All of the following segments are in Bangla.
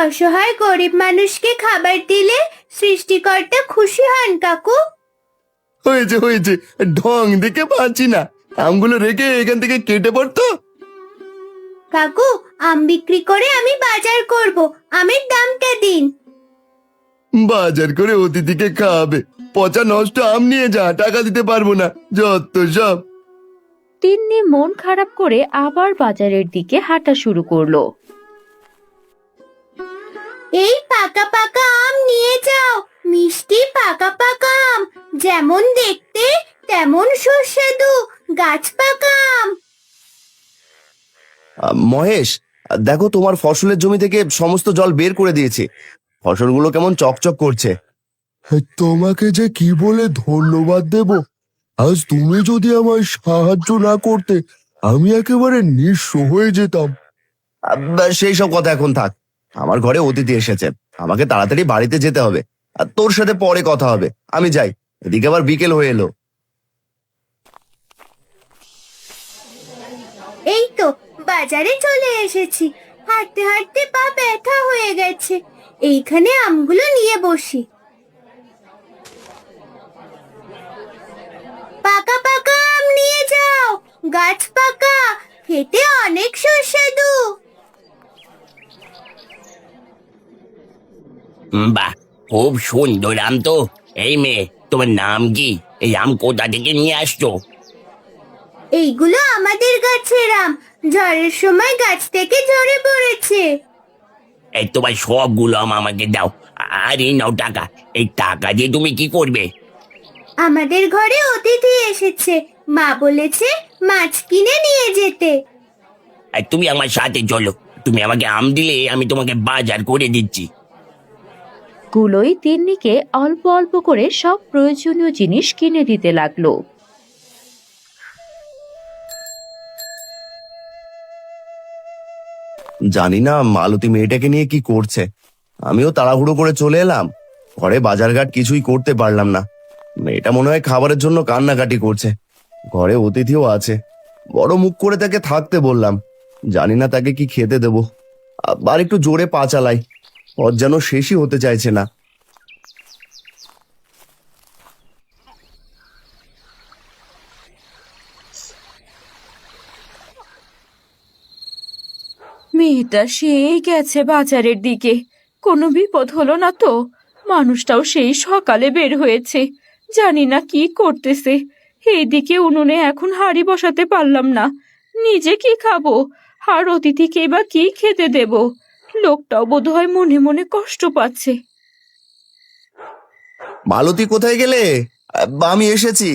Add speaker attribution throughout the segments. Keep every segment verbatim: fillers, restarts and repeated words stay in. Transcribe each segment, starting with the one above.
Speaker 1: অসহায় গরিব মানুষকে খাবার দিলে সৃষ্টিকর্তা খুশি হন কাকু।
Speaker 2: হয়েছে হয়েছে, ঢং দেখে পাচ্ছি না, আমগুলো রেখে এখান থেকে কেটে পড়তো।
Speaker 1: কাকু, আম বিক্রি করে আমি বাজার করব, আমের দামটা দিন।
Speaker 2: বাজার করে অতিথিকে খাওয়াবে, পচা নষ্ট আম নিয়ে যা, টাকা দিতে পারবো না, যত সব।
Speaker 3: তিন্নি মন খারাপ করে আবার বাজারের দিকে হাঁটা শুরু করলো।
Speaker 1: এই পাকা পাকা আম নিয়ে যাও, মিষ্টি পাকা পাকা আম, যেমন দেখতে তেমন সুস্বাদু, গাছ পাকা আম।
Speaker 2: আহ, মহেশ, দেখো তোমার ফসলের জমি থেকে সমস্ত জল বের করে দিয়েছি, ফসলগুলো কেমন চকচক করছে। তোমাকে যে কি বলে ধন্যবাদ দেব, আজ তুমি যদি আমায় সাহায্য না করতে আমি একেবারে নিঃস্ব হয়ে যেতাম। সেই সব কথা এখন থাক, আমার ঘরে অতিথি এসেছে, আমাকে তাড়াতাড়ি বাড়িতে যেতে হবে, আর তোর সাথে পরে কথা হবে, আমি যাই, এদিকে আবার বিকেল হয়ে এলো।
Speaker 1: এই তো বাজারে চলে এসেছি, হাঁটতে হাঁটতে পা ব্যথা হয়ে গেছে, এইখানে আমগুলো নিয়ে বসি। পাকা পাকা আম নিয়ে যাও, গাছ পাকা, খেতে অনেক সুস্বাদু।
Speaker 4: বাহ, খুব সুন্দর আম তো। এই মেয়ে, তোমার নাম কি? এই আম কোথা থেকে নিয়ে আসছো?
Speaker 1: এইগুলো আমাদের গাছের আম, ঝড়ের সময় গাছ থেকে ঝরে পড়েছে।
Speaker 4: এই তোমার সবগুলো আম আমাকে দাও, আর এই নাও টাকা। এই টাকা দিয়ে তুমি কি করবে?
Speaker 1: আমাদের ঘরে অতিথি এসেছে, মা বলেছে মাছ কিনে নিয়ে যেতে।
Speaker 4: আর তুমি আমার সাথে চলো, তুমি আমাকে আম দিলে আমি তোমাকে বাজার করে দিচ্ছি।
Speaker 3: গুলোই তিন্নিকে অল্প অল্প করে সব প্রয়োজনীয় জিনিস কিনে দিতে লাগলো।
Speaker 2: জানি না মালতী মেয়েটাকে নিয়ে কি করছে, আমিও তাড়াহুড়ো করে চলে এলাম, ঘরে বাজারঘাট কিছুই করতে পারলাম না। মেয়েটা মনে হয় খাবারের জন্য কান্নাকাটি করছে, ঘরে অতিথিও আছে, বড় মুখ করে তাকে থাকতে বললাম, জানি না তাকে কি খেতে দেবো। আবার একটু জোরে পা চালাই, ওর যেন শেষই হতে চাইছে না।
Speaker 3: মেয়েটা সেই গেছে বাজারের দিকে, কোনো বিপদ হলো না তো? মানুষটাও সেই সকালে বের হয়েছে, জানি না কি করতেছে। এইদিকে উনুনে এখন হাঁড়ি বসাতে পারলাম না, নিজে কি খাবো আর অতিথিকে বা কি খেতে দেব? লোকটাও বোধহয় মনে মনে কষ্ট পাচ্ছে।
Speaker 2: মালতী কোথায় গেলে? আহ, আমি এসেছি।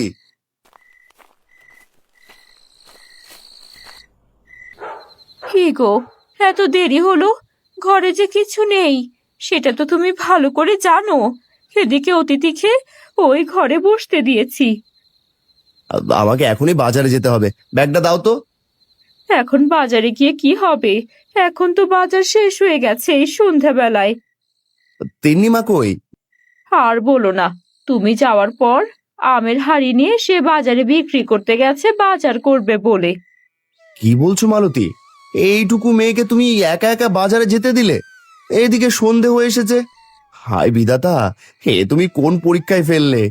Speaker 3: কি গো, এত দেরি হলো, ঘরে যে কিছু নেই সেটা তো তুমি ভালো করে জানো। এদিকে অতিথিকে ওই ঘরে বসতে দিয়েছি।
Speaker 2: আহ, আমাকে এখনই বাজারে যেতে হবে, ব্যাগটা দাও তো।
Speaker 3: এখন বাজারে গিয়ে কি হবে? এখন তো বাজার শেষ হয়ে গেছে এই সন্ধ্যাবেলায়।
Speaker 2: তিন্নি মা কই?
Speaker 3: আর বলো না, তুমি যাওয়ার পর আমের হাড়ি নিয়ে সে বাজারে বিক্রি করতে গেছে বাজার করবে বলে।
Speaker 2: কি বলছো মালতী, এইটুকু মেয়েকে তুমি একা একা বাজারে যেতে দিলে? এইদিকে সন্ধে হয়ে এসেছে, হায় বিধাতা, হে তুমি কোন পরীক্ষায় ফেললে?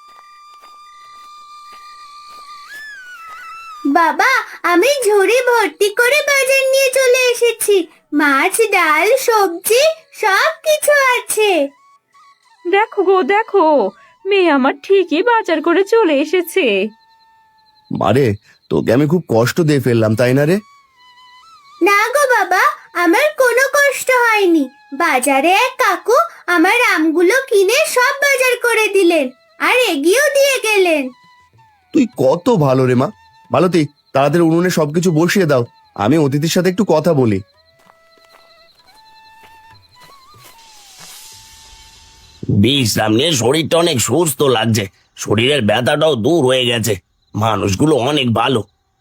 Speaker 1: বাবা, আমি ঝুড়ি ভর্তি করে বাজার নিয়ে চলে এসেছি, মাছ ডাল সবজি সব কিছু আছে।
Speaker 3: দেখো গো দেখো, মেয়ে আমার ঠিকই বাজার করে চলে এসেছে।
Speaker 2: মারে, তোকে আমি খুব কষ্ট দিয়ে ফেললাম তাই না রে?
Speaker 1: না গো বাবা, আমার কোনো কষ্ট হয়নি, বাজারে এক কাকু আমার আমগুলো কিনে সব বাজার করে দিলেন আর এগিয়েও দিয়ে গেলেন।
Speaker 2: তুই কত ভালো রে মা। মালতী, তাড়াতাড়ি উনুনে সবকিছু বসিয়ে দাও, আমি অতিথির সাথে একটু কথা বলি।
Speaker 4: বিশ্রাম নিয়ে শরীরটা অনেক সুস্থ লাগছে, শরীরের ব্যথাটাও দূর হয়ে গেছে। মানুষগুলো অনেক ভালো।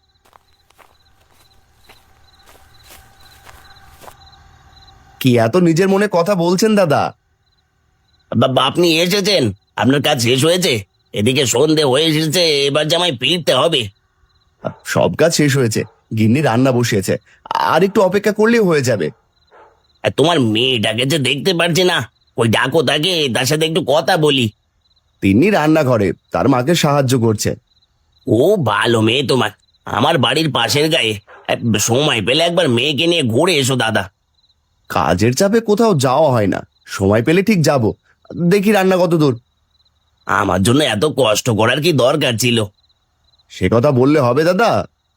Speaker 2: কি এত নিজের মনে কথা বলছেন দাদা?
Speaker 4: বাবা, আপনি এসেছেন? আপনার কাজ শেষ হয়েছে? এদিকে সন্ধে হয়ে এসেছে, এবার যে আমায় ফিরতে হবে।
Speaker 2: সব কাজ শেষ হয়েছে, গিন্নি রান্না বসিয়েছে, আর একটু অপেক্ষা করলেই হয়ে যাবে।
Speaker 4: আর তোমার মেয়েটাকে যে দেখতে পারছি না, ওই ডাকো তাকে, তার সাথে একটু কথা বলি।
Speaker 2: তিনি রান্নাঘরে তার মাকে সাহায্য করছে।
Speaker 4: ও ভালো মেয়ে তোমার, আমার বাড়ির পাশের গায়ে। আহ, সময় পেলে একবার মেয়েকে নিয়ে ঘুরে এসো দাদা।
Speaker 2: কাজের চাপে কোথাও যাওয়া হয় না, সময় পেলে ঠিক যাব। দেখি রান্না কত দূর।
Speaker 4: আমার জন্য এত কষ্ট করার কি দরকার ছিল?
Speaker 2: সে কথা বললে হবে দাদা?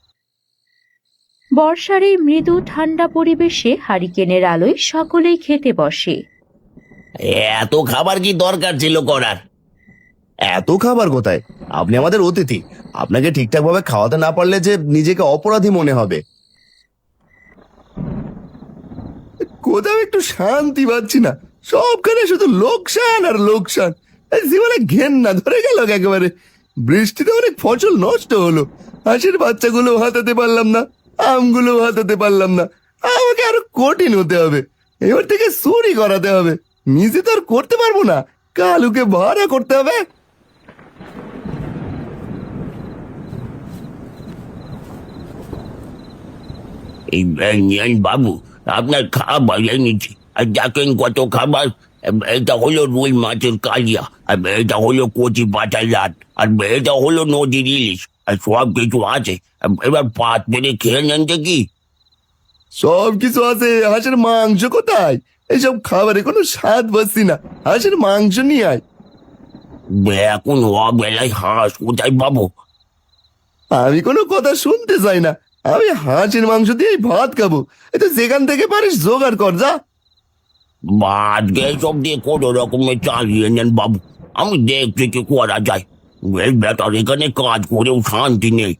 Speaker 3: বর্ষার এই মৃদু ঠান্ডা পরিবেশে হারিকেনের আলোয় সকলেই খেতে বসে।
Speaker 4: এত খাবার কি দরকার ছিল করার?
Speaker 2: এত খাবার কোথায়? আপনি আমাদের অতিথি, আপনাকে ঠিকঠাক ভাবে খাওয়াতে না পারলে যে নিজেকে অপরাধী মনে হবে। কোথাও একটু শান্তি পাচ্ছি না, সবখানে শুধু লোকসান আর লোকসান। এই জীবনে ঘেন্না ধরে গেল একেবারে। বৃষ্টিতে অনেক ফসল নষ্ট হলো, হাঁসের বাচ্চাগুলো হাতাতে পারলাম না, আমগুলো হাতাতে পারলাম না। আমাকে আরো কঠিন হতে হবে, এবার থেকে চুরি করাতে হবে। নিজে তো আর করতে পারবো না, কালুকে ভাড়া করতে হবে।
Speaker 4: এই এই বাবু, আপনার খাবার এনেছি। আর দেখেন কত খাবার। এটা হলো রুই মাছের কালিয়া, আর এটা হলো কচি পাতার লাট, আর এটা হলো নদীর ইলিশ, আর সব কিছু আছে। এবার পাত পেরে খেয়ে নেন দেখি।
Speaker 2: সব কিছু আছে, হাঁসের মাংস কোথায়? এইসব খাবারে কোনো স্বাদ পাচ্ছি না, হাঁসের মাংস নিয়ে আয়।
Speaker 4: এখন অবেলায় হাঁস কোথায় পাবো?
Speaker 2: আমি কোনো কথা শুনতে চাই না, আমি হাঁসের মাংস দিয়েই ভাত খাবো। এই তো যেখান থেকে পারিস জোগাড় কর, যা।
Speaker 4: আজকে সব দিয়ে কোনো রকমের চালিয়ে নেন বাবু, আমি দেখছি কি করা যায়। এই বেটার এখানে কাজ করেও শান্তি নেই।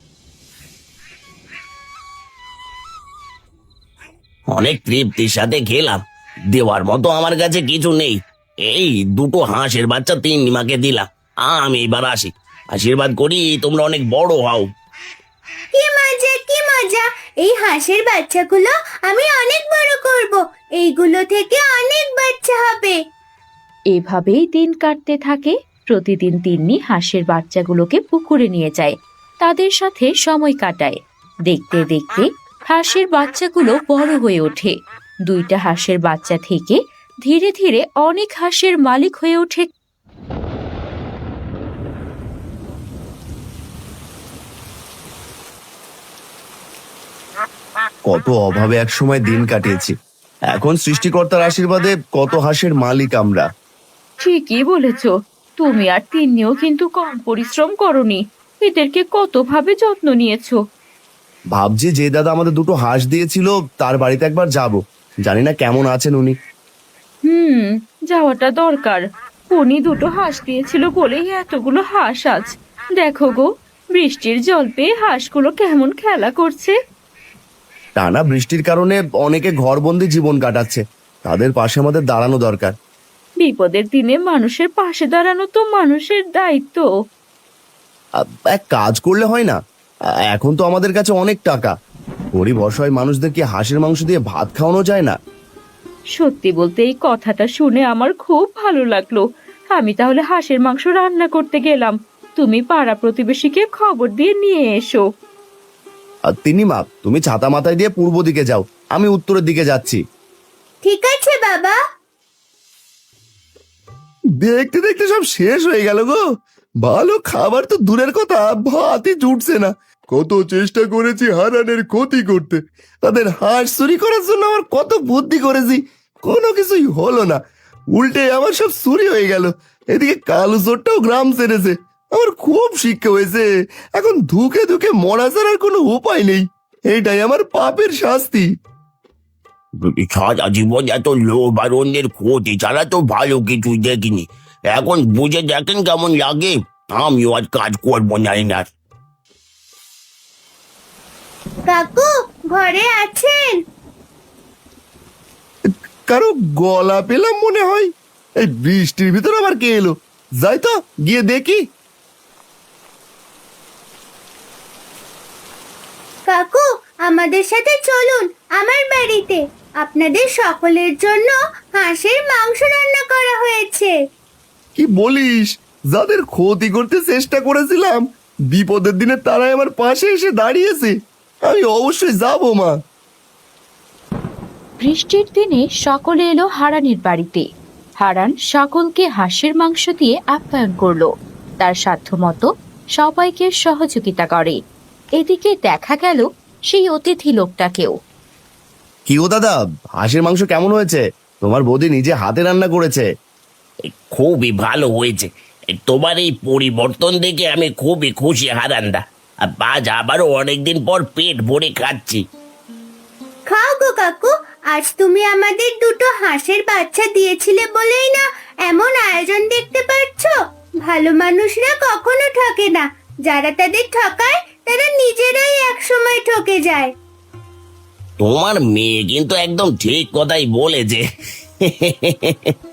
Speaker 4: অনেক তৃপ্তির সাথে খেলাম, দেওয়ার মতো আমার কাছে কিছু নেই। এই দুটো হাঁসের বাচ্চা তিন নিমাকে দিলাম, আমি এবার আসি। আশীর্বাদ করি তোমরা অনেক বড় হও।
Speaker 1: কি মজা কি মজা! এই হাঁসের বাচ্চাগুলো আমি অনেক বড় করব, এইগুলো থেকে অনেক বাচ্চা হবে।
Speaker 3: এভাবেই দিন কাটতে থাকে। প্রতিদিন তিন্নি হাঁসের বাচ্চাগুলোকে পুকুরে নিয়ে যায়, তাদের সাথে সময় কাটায়। দেখতে দেখতে হাঁসের বাচ্চাগুলো বড় হয়ে ওঠে। দুইটা হাঁসের বাচ্চা থেকে ধীরে ধীরে অনেক হাঁসের মালিক হয়ে ওঠে।
Speaker 2: কত অভাবে এক সময় দিন কাটিয়েছি, এখন সৃষ্টিকর্তার আশীর্বাদে কত হাঁসের মালিক আমরা।
Speaker 3: ঠিকই বলেছ, তুমি আর তিন্নিও কিন্তু কম পরিশ্রম করনি, এদেরকে কতভাবে যত্ন নিয়েছো।
Speaker 2: ভাবছি যে দাদা আমাদের দুটো হাঁস দিয়েছিল তার বাড়িতে একবার যাব, জানি না কেমন আছেন উনি।
Speaker 3: হুম, যাওয়াটা দরকার। উনি দুটো হাঁস দিয়েছিল বলেই এতগুলো হাঁস আজ। দেখো গো, বৃষ্টির জল পেয়ে হাঁসগুলো কেমন খেলা করছে।
Speaker 2: টানা বৃষ্টির কারণে অনেকে ঘরবন্দি জীবন কাটাচ্ছে, তাদের পাশে আমাদের দাঁড়ানো দরকার।
Speaker 3: বিপদের দিনে মানুষের পাশে দাঁড়ানো তো মানুষের দায়িত্ব।
Speaker 2: আ- এক কাজ করলে হয় না? আ- এখন তো আমাদের কাছে অনেক টাকা, গরিব অসহায় মানুষদের কি হাঁসের মাংস দিয়ে ভাত খাওয়ানো যায় না?
Speaker 3: সত্যি বলতে এই কথাটা শুনে আমার খুব ভালো লাগলো। আমি তাহলে হাঁসের মাংস রান্না করতে গেলাম, তুমি পাড়া প্রতিবেশীকে খবর দিয়ে নিয়ে এসো।
Speaker 2: আর তিনি মা, তুমি ছাতা মাথায় দিয়ে পূর্ব দিকে যাও, আমি উত্তরের দিকে যাচ্ছি।
Speaker 1: ঠিক আছে বাবা।
Speaker 2: দেখতে দেখতে সব শেষ হয়ে গেল গো। ভালো খাবার তো দূরের কথা, ভাতই জুটছে না। কত চেষ্টা করেছি হারানের ক্ষতি করতে, তাদের হাঁস চুরি করার জন্য আমার কত বুদ্ধি করেছি, কোনো কিছুই হলো না। উল্টে আমার সব চুরি হয়ে গেল। এদিকে কালো চোরটাও গ্রাম ছেড়েছে। আমার খুব শিক্ষা হয়েছে, এখন ধুকে ধুকে মরা ছাড়ার কোনো উপায় নেই। এইটাই আমার পাপের শাস্তি।
Speaker 4: সারা জীবন এত লোভ আর অন্যের ক্ষতি ছাড়া তো ভালো কিছুই দেখিনি। এখন বুঝে দেখেন কেমন লাগে। আমিও আজ কাজ করবো না এনার।
Speaker 1: কাকু ঘরে আছেন?
Speaker 2: কারো গলা পেলাম মনে হয়। এই বৃষ্টির ভিতর আবার কে এলো? যাই তো গিয়ে দেখি।
Speaker 1: কাকু আমাদের সাথে চলুন আমার বাড়িতে, আপনাদের সকলের জন্য হাঁসের মাংস রান্না করা হয়েছে।
Speaker 2: কি বলিস? যাদের ক্ষতি করতে চেষ্টা করেছিলাম, বিপদের দিনে তারাই আমার পাশে এসে দাঁড়িয়েছে। আমি অবশ্যই যাবো মা।
Speaker 3: বৃষ্টির দিনে সকলে এলো হারানের বাড়িতে। হারান সকলকে হাঁসের মাংস দিয়ে আপ্যায়ন করলো, তার সাধ্যমতো সবাইকে সহযোগিতা করে। এদিকে দেখা গেল সেই অতিথি লোকটাকেও।
Speaker 2: কি ও দাদা, হাঁসের মাংস কেমন হয়েছে? তোমার বৌদি নিজে হাতে রান্না করেছে।
Speaker 4: খুবই ভালো হয়েছে। তোমার এই পরিবর্তন দেখে আমি খুবই খুশি হারান্দা। আর আজ আবারও অনেকদিন পর পেট ভরে খাচ্ছি।
Speaker 1: খাও গো কাকু, আজ তুমি আমাদের দুটো হাঁসের বাচ্চা দিয়েছিলে বলেই না এমন আয়োজন দেখতে পাচ্ছ। ভালো মানুষরা কখনো ঠকে না, যারা তাদের ঠকায় তারা নিজেরাই একসময় ঠকে যায়।
Speaker 4: তোমার মেয়ে কিন্তু একদম ঠিক কথাই বলেছে।